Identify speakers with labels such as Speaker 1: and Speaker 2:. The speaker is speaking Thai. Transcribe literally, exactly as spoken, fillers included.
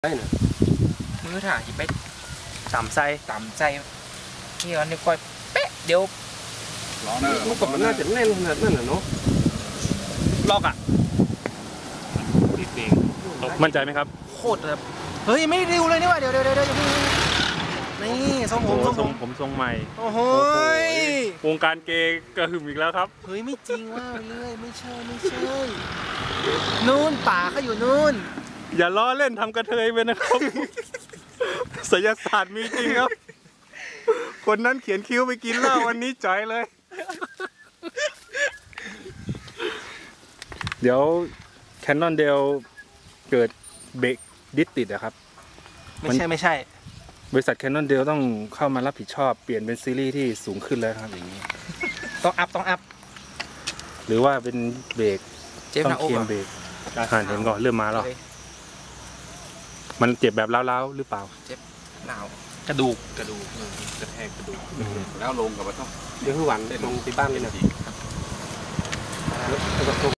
Speaker 1: ได้นะ
Speaker 2: มือถ่ายไป
Speaker 3: ต่ำไส้
Speaker 2: ต่ำใจนี่เราเนี่ยก้อยเป๊ะเดี๋ยว
Speaker 1: ล้อเนอร์มันก็มันน่าจะแน่นขนาดนั้นนะเนาะ
Speaker 3: ลอกอ่ะติดเองมั่นใจไหมครับ
Speaker 2: โคตรแบบเฮ้ยไม่ริวเลยนี่ว่าเดี๋ยวเดี๋ยวเดี๋ยวนี่ทรงผมทรงผม
Speaker 3: ผมทรงใหม่
Speaker 2: โอ้โห
Speaker 3: วงการเกย์กระหึ่มอีกแล้วครับ
Speaker 2: เฮ้ยไม่จริงว่าเรื่อยไม่ใช่ไม่ใช่นู่นป่าเขาอยู่นู่น
Speaker 3: อย่าล้อเล่นทำกระเทยไปนะครับศิลศาสตร์มีจริงครับคนนั้นเขียนคิ้วไปกินเหล้าวันนี้จ่อยเลยเดี๋ยวแคนนอนเดลเกิดเบรกดิสติดอะครับ
Speaker 2: ไม่ใช่ไม่ใช่
Speaker 3: บริษัทแคนนอนเดลต้องเข้ามารับผิดชอบเปลี่ยนเป็นซีรีส์ที่สูงขึ้นแล้วครับอย่างนี้
Speaker 2: ต้องอัพต้องอัพ
Speaker 3: หรือว่าเป็นเบรกต้องเคลมเบรกอาหารเห็นก่อนเริ่มมาแล้วมันเจ็บแบบเล้าๆหรือเปล่า
Speaker 2: เจ็บหนาว
Speaker 3: กระดูก
Speaker 1: กระดูกกระแทกกระดูกแล้วลงกับมันต้องเดี๋ยวคือหวันได้ลงที่บ้านเลยนะ